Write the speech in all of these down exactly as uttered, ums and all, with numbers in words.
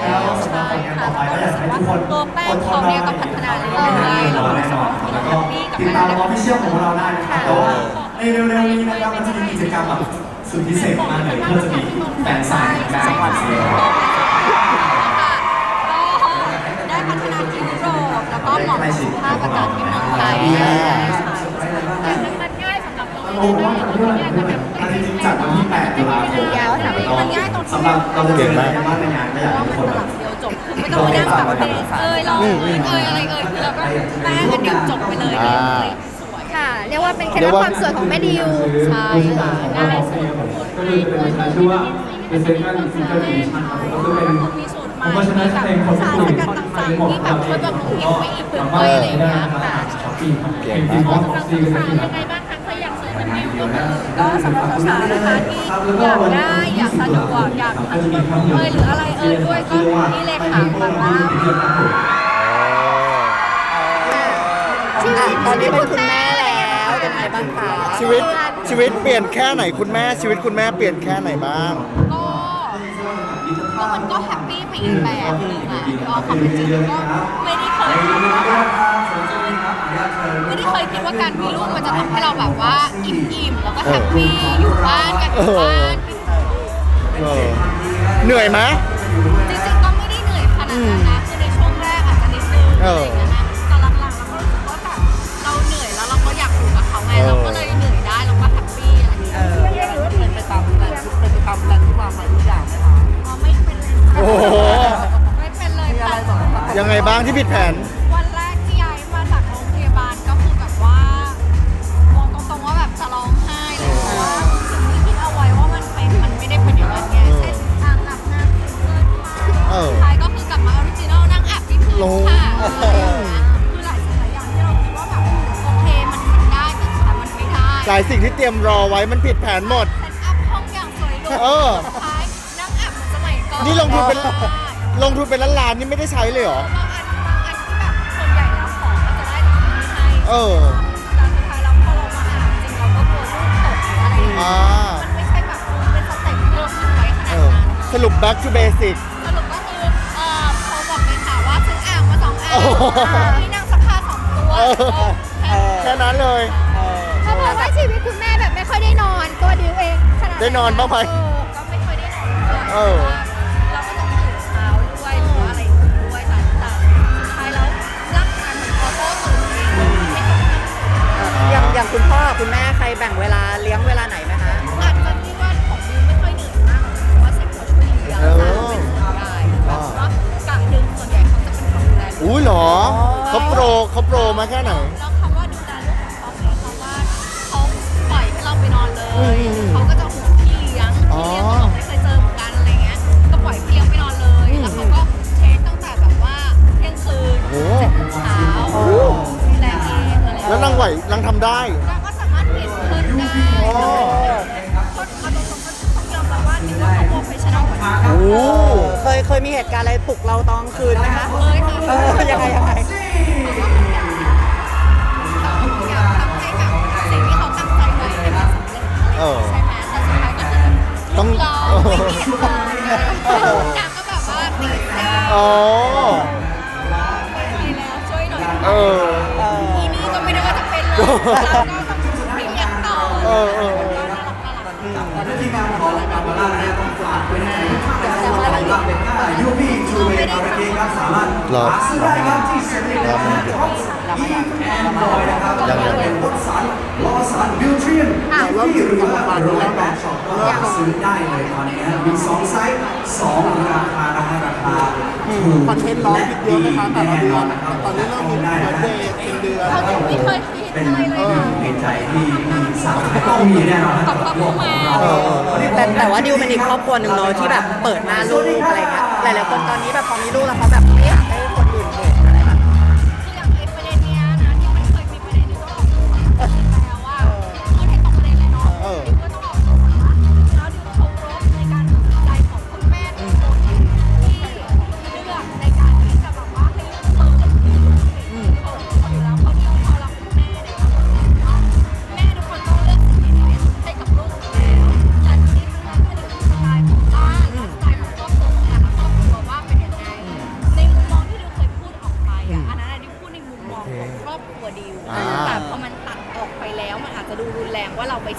แล้วสำหรับผลงานต่อไปก็อยากให้ทุกคนตัวแป้งเขาเนี่ยก็พัฒนาเรื่อยๆเราแน่นอนแล้วก็ติดตามออฟฟิเชียลของเราได้นะครับแต่ว่าในเร็วๆนี้นะครับมันจะมีกิจกรรมแบบสุดพิเศษมากเลยเพื่อจะมีแฟนสายได้จังหวัดเชียงรายได้พัฒนาที่ยุโรปแล้วก็เหมาะกับสภาพอากาศที่เมืองไทยแต่ซึ่งมันง่ายสำหรับเราโอ้โหอันนี้จริงจัดวันที่แปดตุลาคมสำหรับเราจะเจอกันบ้านในงานก็อยากให้ทุกคนแบบเดียวจบคือไม่ต้องมานั่งแบบเอ้ยเราเอ้ยเอ้ยอะไรเอ้ยคือเราก็แป้งกันเดียวจบไปเลยเลยสวยค่ะเรียกว่าเป็นเคล็ดลับความสวยของแม่ดิวใช่ค่ะง่ายสุดก็คือเป็นการชื่อว่าเป็นเซนกันซิงเกิลดิชั่นครับก็คือเป็นมีสูตรใหม่เพราะฉะนั้นเพลงคนสารคุสยกัดต่างๆที่แบบช่วยบำรุงผิวไปอีกหนึ่งเลยอะไรอย่างเงี้ยค่ะช้อปปี้ครับเพลงที่มอสซีกันสักทีครับยังไงบ้างคะเคยอยากซื้อเป็นดิวก็สำหรับสาวๆนะคะที่อยากได้อยากสะดวกอยากเอ้ยหรืออะไรเอ่ยด้วยก็นี่เลยค่ะแบบว่าชีวิตตอนนี้เป็นคุณแม่แล้วเป็นไงบ้างคะชีวิตชีวิตเปลี่ยนแค่ไหนคุณแม่ชีวิตคุณแม่เปลี่ยนแค่ไหนบ้างก็ก็มันก็แฮปปี้ไปอีกแบบหนึงอ่ะก็ความเป็นจริงก็ไม่ได้เคยคิดว่าแบบไม่ได้เคยคิดว่าการมีลูกมันจะทำให้เราแบบว่าอิ่มๆแล้วก็แฮปปี้อยู่บ้านกันอยู่บ้านกินเออเหนื่อยไหมจริงๆก็ไม่ได้เหนื่อยขนาดนั้นนะคือในช่วงแรกอาจจะนิดนึงอะไรอย่างเงี้ยนะแต่หลังๆเราก็รู้สึกว่าแบบเราเหนื่อยแล้วเราก็อยากอยู่กับเขาไงเราก็เลยเหนื่อยได้เราก็แฮปปี้อะไรอย่างเงี้ยเออเป็นไปตามแผนเป็นไปตามแผนที่วางไว้ทุกอย่างไหมคะอ๋อไม่เป็นเลยโอ้โหไม่เป็นเลยค่ะยังไงบ้างที่ผิดแผนวันแรกที่ย้ายมาจากโรงพยาบาลก็คือแบบว่าบอกตรงๆว่าแบบจะร้องไห้เลยเพราะว่าสิ่งที่คิดเอาไว้ว่ามันเป็นมันไม่ได้เป็นอย่างนั้นไงเช่นอ่างอาบน้ำเกินมาเออสุดท้ายก็คือกลับมาออริจินอลนั่งอาบที่พื้นโอ้ค่ะคือหลายสิ่งหลายอย่างที่เราคิดว่าแบบโอเคมันมันได้แต่สุดท้ายมันไม่ได้หลายสิ่งที่เตรียมรอไว้มันผิดแผนหมดเซตอัพห้องอย่างสวยหรูเออสุดท้ายนั่งอาบเหมือนสมัยก่อนนี่ลงทุนเป็นบางอันลงทุนเป็นล้านล้านๆนี่ไม่ได้ใช้เลยเหรอบางอันที่แบบส่วนใหญ่แล้วของก็จะได้แต่ของไม่ให้เออแต่สุดท้ายแล้วพอเรามาอ่านจริงเราก็กลัวลูกตกหรืออะไรอย่างเงี้ยอ่ามันไม่ใช่แบบเป็นสเต็ปที่เราคิดไว้ขเอนาดอนั้นสรุป back to basic สรุปก็คือเอ่อโทรบอกเลยค่ะว่าซื้ออ่างมาสองอ่างโอ้โหที่นั่งซักผ้าสองตัวเออ แค่นั้นเลยเขาบอกว่าชีวิตคุณแม่แบบไม่ค่อยได้นอนตัวดิวเองขนาดได้นอนบ้างไหมเออก็ไม่ค่อยได้นอนด้วยเออเพราะว่าเราก็ต้องตื่นเช้าด้วยหรือว่าอะไรอย่างงี้ด้วยแต่แต่สุดท้ายแล้วร่างกายมันออโต้ตื่นเองไม่ต้องนั่งอย่างอย่างคุณพ่อคุณแม่ใครแบ่งเวลาเลี้ยงเวลาไหนไหมคะอาจจะที่ว่าของดิวไม่ค่อยเหนื่อยมากเพราะว่าเซ็กเขาช่วยเลี้ยงเออเป็นส่วนใหญ่แบบว่ากะดึงส่วนใหญ่เขาจะเป็นคนดูแลลูกอุ้ยเหรอเขาโปรเขาโปรมาแค่ไหนแล้วคำว่าดูแลลูกของเขาคือคำว่าเขาปล่อยให้เราไปนอนเลยอืมเขาก็จะห่วงพี่เลี้ยงอ๋อพี่เลี้ยงก็บอกไม่เคยเจอเหมือนกันอะไรเงี้ยก็ปล่อยพี่เลี้ยงไปนอนเลย แล้วเขาก็เทสตั้งแต่แบบว่าเที่ยงคืนโอ้เจ็ดโมงเช้าดูแลเองอะไรแล้วนางไหวนางทำได้เราก็สามารถเปลี่ยนขึ้นได้อ๋อคนเอาตรงๆก็ต้องยอมรับว่าจริงๆว่าเขาโปรเฟชชั่นอลกว่านี้โอ้เคยเคยมีเหตุการณ์อะไรปลุกเราตอนกลางคืนไหมคะเอ้ยค่ะเออยังไงยังไงอยากทำให้แบบสิ่งที่เขาตั้งใจไว้เนี่ยมันสำเร็จอะไรอย่างเงี้ยใช่ไหมแต่สุดท้ายก็คือต้องเราไม่มีเหตุผลนางก็แบบว่าตีเส้นอ๋อไปแล้วช่วยหน่อยเออทีนี้ก็ไม่ได้ว่าจะเป็นเลยแล้วก็ต้องพิมพ์อย่างต่อเออเออที่มาของบาบาร่าเนี่ยต้องฝากไว้ในแต่ว่าอะไรบ้างเป็นก้ายูบีทูเวย์อาร์เกครับสามารถหาซื้อได้ครับที่เซ็นทรัลและท็อปอีแอนดรอยนะครับแล้วก็เป็นรถสันล้อสันบิวเทียนที่หรือว่าโรยแบทช็อปก็หาซื้อได้เลยตอนนี้นะมีสองไซส์สองราคานะฮะราคาถูกคอนเทนต์ร้องและผิดเยดีอะไหมคะแต่ละแน่เดืนออน นนะครับตอนนี้เริ่มมีได้เบินะร์ดเดย์เป็นเดือนเขาไม่เคยคิดเป็นอะไรเลยเป็นใจที่ที่สาวต้องมีแน่นอนนะครับกับโลกของเราแต่แต่ว่าดิวเป็นอีกครอบครัวหนึ่งเนาะที่แบบเปิดหน้าลูกอะไรเงี้ยหลายๆคนตอนนี้แบบพอมีลูกแล้วเขาแบบไม่อยากให้คนอื่นเห็นอะไรแบบคืออย่างไอ้ประเด็นเนี้ยนะที่มันเคยมีประเด็นที่ต้องออกตัวแล้วว่าคือให้ตรงประเด็นเลยเนาะเออดิวก็ต้องออกตัวว่าแล้วดิวเคารพในการตัดสินใจของคุณแม่ทุกคนที่เลือกในการที่จะแบบว่าให้ลูกเปิดเขาคนอยู่แล้วเขาดิวเขารักคุณแม่ในความรู้สึกว่าแม่ทุกคนต้องเลือกสิ่งที่ดีที่สุดให้กับลูกอยู่แล้วแต่ทีนี้มันก็คือสไตล์ของบ้านสไตล์ของครอบครัวของแต่ละครอบครัวว่าเป็นยังไง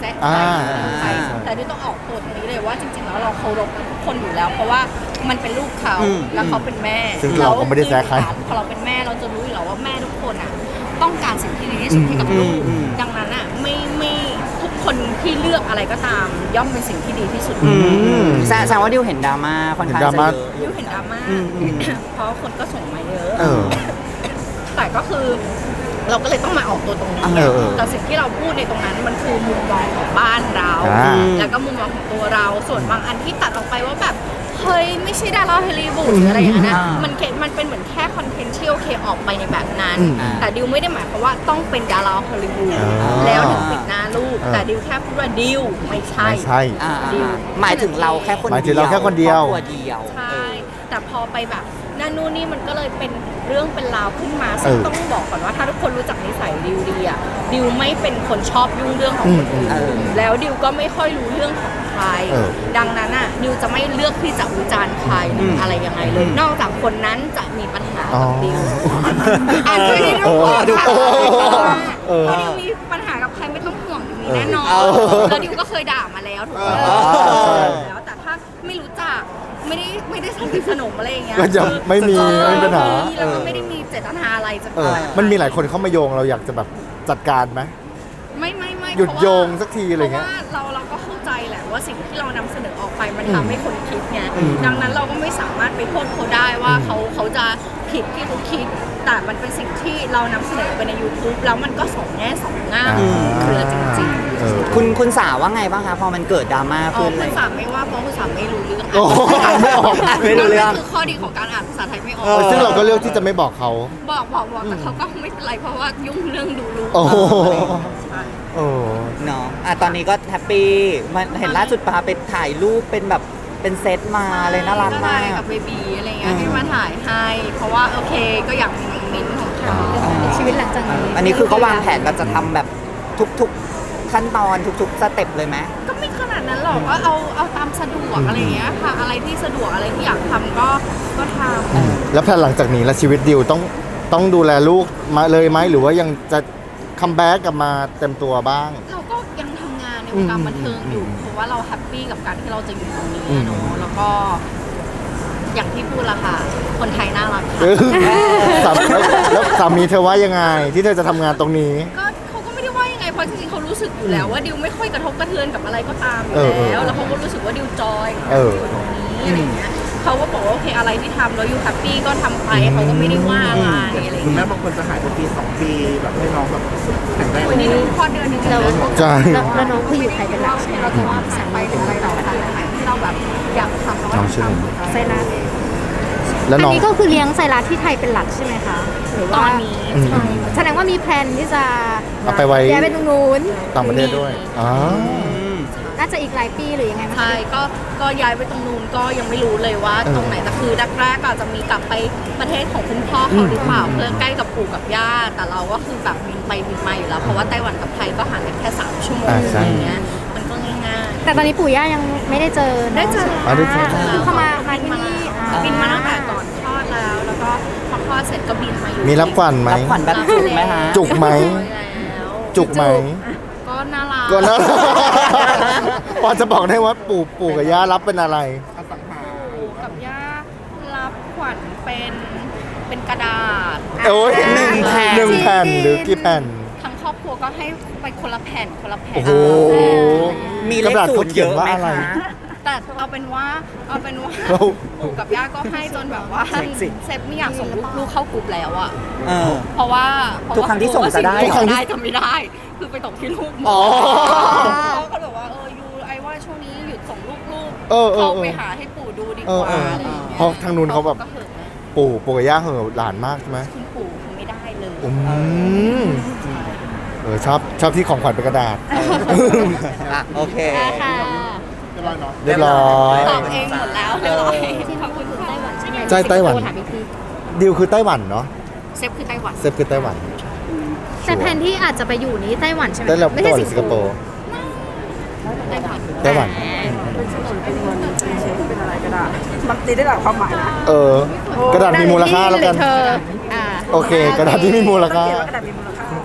ซะอ่าใครแต่ดิวต้องออกตัวตรงนี้เลยว่าจริงๆแล้วเราเคารพทุกคนอยู่แล้ว เพราะว่ามันเป็นลูกเขาอืมแล้วเขาเป็นแม่ซึ่งเราก็ไม่ได้แซะใครพอเราเป็นแม่เราจะรู้อยู่แล้วว่าแม่ทุกคนอ่ะต้องการสิ่งที่ดีที่สุดให้กับลูกอืมอืมดังนั้นอ่ะไม่ไม่ทุกคนที่เลือกอะไรก็ตาม ย่อมเป็นสิ่งที่ดีที่สุดอืมแสแสดงว่าดิวเห็นดราม่าค่อนข้างเห็นดราจะม่าเยอะดิวเห็นดราม่าอืมอืมเพราะคนก็ส่งมาเยอะเออแต่ก็คือเราก็เลยต้องมาออกตัวตรงนี้เออเออแต่สิ่งที่เราพูดในตรงนั้นมันคือมุมมองของบ้านเราอ่าแล้วก็มุมมองของตัวเรา ส่วนบางอันที่ตัดออกไปว่าแบบเฮ้ยไม่ใช่ดาราฮอลลีวูดหรืออะไรอย่างนั้นนะอ่ามัมันแค่มันเป็นเหมือนแค่คอนเทนต์ที่โอเคออกไปในแบบนั้นอืมแต่ดิวไม่ได้หมายความว่าต้องเป็นดาราฮอลลีวูดอ่าแล้วถึงปิดหน้าลูกอ่าแต่ดิวแค่พูดว่าดิวไม่ใช่ไม่ใช่อ่าหมายถึงเราแค่คนหมายถึเดียวงเราแค่คนเดียวรอบครัวเดียวใช่ แต่พอไปแบบนั่นนู่นนี่มันก็เลยเป็นเรื่องเป็นราวขึ้นมาเอซึ่งอต้องบอกก่อนว่าถ้าทุกคนรู้จักนิสัยดิวดีอะดิวไม่เป็นคนชอบยุ่งเรื่องของคนอื่นเออแล้วดิวก็ไม่ค่อยรู้เรื่องของใครเออดังนั้นอะดิวจะไม่เลือกที่จะวิจารณ์ใครหรืออะไรยังไงเลย นอกจากคนนั้นจะมีปัญหาอ๋อกับดิวอ่านด้วยนี่ทุกคนเออค่ะเออถ้าดิวมีปัญหากับใครไม่ต้องห่วงดิวมีแน่นอนเออแล้วดิวก็เคยด่ามาแล้วถูกไหมเออแล้วแต่ถ้าไม่รู้จักไม่ได้ไม่ได้สนิทสนมอะไรอย่างเงี้ยก็จะไม่มีเออไม่มีปัญหาแล้วก็ไม่ได้มีเจตนาอะไรจะเออ มันมีหลายคนเข้ามาโยงเราอยากจะแบบจัดการไหมไม่ไม่ไม่หยุดเพราะว่าโยงสักทีอะไรเงี้ยเพราะว่าเราเราก็เข้าใจแหละว่าสิ่งที่เรานำเสนอออกไปมันทำให้คนคิดไงดังนั้นเราก็ไม่สามารถไปโทษเขาได้ว่าเขาเขาจะผิดที่เขาคิด แต่มันเป็นสิ่งที่เรานำเสนอไปใน YouTube แล้วมันก็สองแง่สองง่ามอ่าเครือจริงเออคุณคุณสาวว่าไงบ้างคะพอมันเกิดดราม่าๆอ๋อขึ้นคุเลณยสามไม่ว่าเพราะคุณสามไม่รู้เรื่องโอ้โหอ่านไม่ออกไม่รู้เรื่องนั่นคือข้อดีของการอ่านภาษาไทยไม่ออกเออซึ่งเราก็เลือกที่จะไม่บอกเขาบอกบอกบอกแต่เขาก็ไม่เป็นไรเพราะว่ายุ่งเรื่องดูรู้โอ้โหใช่โอ้เนาะอ่ะตอนนี้ก็แฮปปี้มันเห็นล่าสุดพาไปถ่ายรูปเป็นแบบเป็นเซตมาเลยน่ารักมากกับเบบีอะไรเงี้ยให้มาถ่ายให้เพราะว่าโอเคก็อยากมีมิ้นท์ของเขาชีวิตหลังจากนี้อันนี้คือเขาวางแผนแบบจะทำแบบทุกๆขั้นตอนทุกๆสเต็ปเลยไหมก็ไม่ขนาดนั้นหรอกก็เอาเอาตามสะดวกอะไรเงี้ยค่ะอะไรที่สะดวกอะไรที่อยากทำก็ก็ทำแล้วแผนหลังจากนี้แล้วชีวิตดิวต้องต้องดูแลลูกมาเลยไหมหรือว่ายังจะคัมแบ็กกลับมาเต็มตัวบ้างเราก็ยังทำงานในวงการบันเทิงอยู่เพราะว่าเราแฮปปี้กับการที่เราจะอยู่ตรงนี้อืมเนาะแล้วก็ อย่างที่พูดละค่ะ คนไทยน่ารักเอค่ะอสามีแล้วสามีเธอว่ายังไง ที่เธอจะทำงานตรงนี้ก็เขาก็ไม่ได้ว่ายังไงเพราะจริงๆเขารู้สึกอยู่แล้วว่าดิวไม่ค่อยกระทบกระเทือนกับอะไรก็ตามอยู่เออเออแล้วแล้วเขาก็รู้สึกว่าดิวจอยกับเอการอที่อยู่ตรงนี้อะไรอย่างเงี้ยเขาก็บอกว่าโอเคอะไรที่ทำแล้วอยู่แฮปปี้ก็ทำไปเขาก็ไม่ได้ว่าอะไรอะไรอย่างคุณเงี้แม่ยบางคนจะหายไปปีสองปีแบบให้น้องแบบแข็งแรงวันนี้คลอดเดือนหนึงแล้วใช่แล้วน้องคืออยู่ไทยเป็นหลักใช่ไหมเราจะว่าแสงไปถึงไปต่อค่ะที่เราแบบอยากทำเราก็น้องชื่ออะไรทำไซรัสแล้วอันน้องนี้ก็คือเลี้ยงไซรัสที่ไทยเป็นหลักใช่ไหมคะหรือตว่าอนนี้อืมแสดงว่ามีแพลนที่จะเอาไปไว้ย้ายไปตรงนู้นต่างประเทศด้วยอ๋อน่าจะอีกหลายปีหรือยังไงไหมคะใช่ก็ก็ย้ายไปตรงนู้นก็ยังไม่รู้เลยว่าเออตรงไหนแต่คือแรกๆก็อาจจะมีกลับไปประเทศของคุณพ่อเขาหรือเปล่าเพื่อใกล้กับปู่กับย่าแต่เราก็คือแบบบินไปบินมาอยู่แล้วเพราะว่าไต้หวันกับไทยก็ห่างกันแค่สามชั่วโมงอ่าอใช่ย่างเงี้ยมันก็ง่ายแต่ตอนนี้ปู่ย่ายังไม่ได้เจอๆได้เจออ๋อได้เจอคือเขามามาที่นี่อ่าบินมาตั้งแต่ก่อนคลอดแล้ว แล้วก็พอคลอดเสร็จก็บินมาอยู่มีรับขวัญไหมรับขวัญแบบจุกไหมคะจุกไหมแล้วจุกไหมก็น่ารักก็นะ พอจะบอกได้ว่าปู่ปู่กับย่ารับเป็นอะไรอสังหาปู่กับย่ารับขวัญเป็นเป็นกระดาษโอ้ยหนึ่งแผ่นหนึ่งแผ่นหรือกี่แผ่นทั้งครอบครัวก็ให้ไปคนละแผ่นคนละแผ่นโอ้โหมีเลกระขดาษศูเขานย์เขีเยยนอะว่าไหมอะไรคะแต่เอาเป็นว่าเอาเป็นว่าเราปู่กับย่าก็ให้จนแบบว่าเซ็กซี่เซฟไม่อยากส่งลูกลูกเข้ากลุ่มแล้วอะเออเพราะว่าเพาะทุกครั้งที่ส่งจะได้ทุกครั้งที่ได้จะไม่ได้ คือไปตกที่ลูกหมอ๋อเขาก็บอกว่าเออยูไอว่าช่วงนี้หยุดส่งลูกลูกเออเออเข้าเออไปหาให้ปู่ดูดีกเออว่าเอออะไรอย่างเงี้ยเพราะทางนู้นเขาแบบก็เหอะนะปู่ปู่กับย่าเหอะหลานมากใช่ไหมคุณปู่คือไม่ได้เลยอืมเออชอบชอบที่ของขวัญเป็นกระดาษอ่ะโอเคค่ะเรียบร้อยเนาะเรียบร้อยตอบเองหมดแล้วเรียบร้อยขอบคุณไต้หวันใช่ไหมใช่ไต้หวันถามอีกทีดิวคือไต้หวันเนาะเซฟคือไต้หวันเซฟคือไต้หวันแต่แผนที่อาจจะไปอยู่นี้ไต้หวันใช่ไหมไต้หวันไม่ไต้ใช่หวันหรือสิงคโปร์ไต้หวันไต้หวันมันตีได้หลายความหมายนะเออ กระดาษมีมูลค่าแล้วกันหรือเธออ่าโอเค กระดาษที่มีมูลค่ากระดาษมีมูลค่า